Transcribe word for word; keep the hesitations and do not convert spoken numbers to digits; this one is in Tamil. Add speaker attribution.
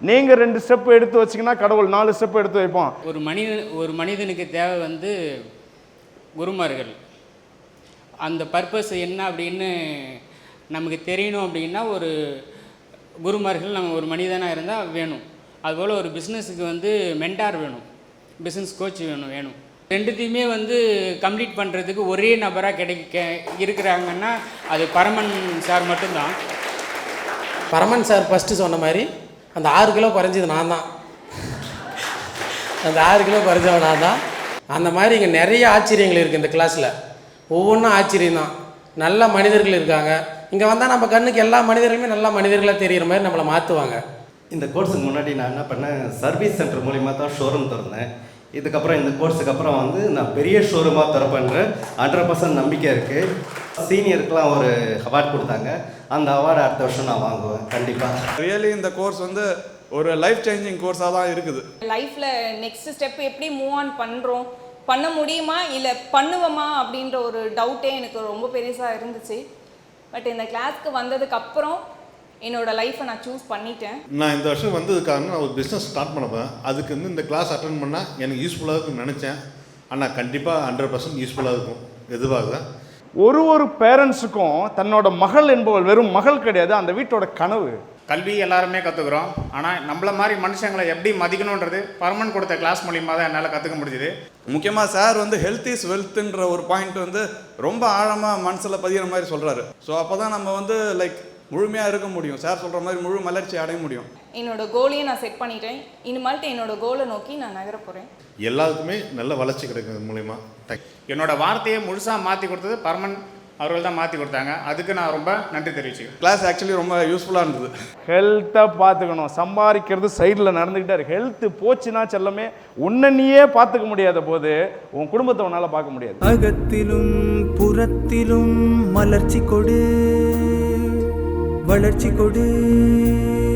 Speaker 1: நீங்கள் ரெண்டு ஸ்டெப் எடுத்து வச்சிங்கன்னா கடவுள் நாலு ஸ்டெப் எடுத்து வைப்போம்.
Speaker 2: ஒரு மனிதன் ஒரு மனிதனுக்கு தேவை வந்து குருமார்கள். அந்த பர்பஸ் என்ன அப்படின்னு நமக்கு தெரியணும் அப்படின்னா ஒரு குருமார்கள் நம்ம ஒரு மனிதனாக இருந்தால் வேணும். அதுபோல் ஒரு பிஸ்னஸுக்கு வந்து மென்டார் வேணும், பிஸ்னஸ் கோச் வேணும் வேணும் ரெண்டுத்தையுமே வந்து கம்ப்ளீட் பண்ணுறதுக்கு ஒரே நபராக கிடைக்க இருக்கிறாங்கன்னா அது பரமன் சார் மட்டும்தான்.
Speaker 3: பரமன் சார் ஃபஸ்ட்டு சொன்ன மாதிரி அந்த ஆறு கிலோ குறைஞ்சது நான் தான். அந்த ஆறு கிலோ குறைஞ்சவன் நான் தான். அந்த மாதிரி இங்கே நிறைய ஆச்சரியங்கள் இருக்குது இந்த கிளாஸில். ஒவ்வொன்றும் ஆச்சரியம் தான். நல்ல மனிதர்கள் இருக்காங்க. இங்கே வந்தால் நம்ம கண்ணுக்கு எல்லா மனிதர்களுமே நல்ல மனிதர்களாக தெரிகிற மாதிரி நம்மளை மாற்றுவாங்க.
Speaker 4: இந்த கோர்ஸுக்கு முன்னாடி நான் என்ன பண்ணேன், சர்வீஸ் சென்டர் மூலிமா தான் ஷோரூம் திறந்தேன். இதுக்கப்புறம் இந்த கோர்ஸுக்கு அப்புறம் வந்து நான் பெரிய ஷோரூமாக திறப்பேன்ற ஹண்ட்ரட் பர்சன்ட் நம்பிக்கை இருக்குது. சீனியருக்கெலாம் ஒரு அவார்ட் கொடுத்தாங்க. அந்த அவார்டு அடுத்த வருஷம் நான் வாங்குவேன் கண்டிப்பாக.
Speaker 5: ரியலி இந்த கோர்ஸ் வந்து ஒரு லைஃப் சேஞ்சிங் கோர்ஸாக தான் இருக்குது.
Speaker 6: லைஃப்பில் நெக்ஸ்ட் ஸ்டெப் எப்படி மூவ் ஆன் பண்ணுறோம், பண்ண முடியுமா இல்லை பண்ணுவோமா அப்படின்ற ஒரு டவுட்டே எனக்கு ரொம்ப பெருசாக இருந்துச்சு. பட் இந்த கிளாஸ்க்கு வந்ததுக்கப்புறம் என்னோடய லைஃப்பை நான் சூஸ் பண்ணிட்டேன்.
Speaker 7: நான் இந்த வருஷம் வந்ததுக்காக நான் ஒரு பிஸ்னஸ் ஸ்டார்ட் பண்ணப்பேன். அதுக்கு வந்து இந்த கிளாஸ் அட்டன் பண்ணால் எனக்கு யூஸ்ஃபுல்லாக இருக்கும்னு நினச்சேன். ஆனால் கண்டிப்பாக ஹண்ட்ரட் பர்சன்ட் யூஸ்ஃபுல்லாக இருக்கும். எதுவாக
Speaker 1: ஒரு ஒரு பேரண்ட்ஸுக்கும் தன்னோட மகள் என்பவள் வெறும் மகள் கிடையாது, அந்த வீட்டோட கனவு.
Speaker 8: கல்வி எல்லாருமே கற்றுக்குறோம். ஆனால் நம்மள மாதிரி மனுஷங்களை எப்படி மதிக்கணுன்றது பர்மனன்ட் கொடுத்த கிளாஸ் மூலியமாக தான் என்னால் கற்றுக்க முடிஞ்சுது.
Speaker 5: முக்கியமாக சார் வந்து ஹெல்த் இஸ் வெல்த்துன்ற ஒரு பாயிண்ட் வந்து ரொம்ப ஆழமாக மனசில் பதிகிற மாதிரி சொல்கிறாரு. ஸோ அப்போ தான் நம்ம வந்து லைக் முழுமையாக இருக்க முடியும். சார் சொல்கிற மாதிரி முழு மலர்ச்சி அடைய முடியும்.
Speaker 6: என்னோடய கோலையும் நான் செட் பண்ணிட்டேன். இனிமேல்ட்டு என்னோடய கோலை நோக்கி நான் நகர போகிறேன்.
Speaker 7: எல்லாருக்குமே நல்ல வளர்ச்சி கிடைக்கும் மூலிமா.
Speaker 8: என்னோடய வார்த்தையை முழுசாக மாற்றி கொடுத்தது பர்மனன்ட் அவர்கள் தான் மாற்றி கொடுத்தாங்க. அதுக்கு நான் ரொம்ப நன்றி தெரிவிச்சுக்கிறேன்.
Speaker 5: கிளாஸ் ஆக்சுவலி ரொம்ப யூஸ்ஃபுல்லாக இருந்தது.
Speaker 1: ஹெல்த்தை பார்த்துக்கணும். சம்பாதிக்கிறது சைடில் நடந்துக்கிட்டே இருக்கு. ஹெல்த்து போச்சுன்னா செல்லமே உன்னையே பார்த்துக்க முடியாத போது உன் குடும்பத்தை உன்னால் பார்க்க முடியாது.
Speaker 9: அகத்திலும் புறத்திலும் மலர்ச்சி கொடு, வளர்ச்சி கொடு.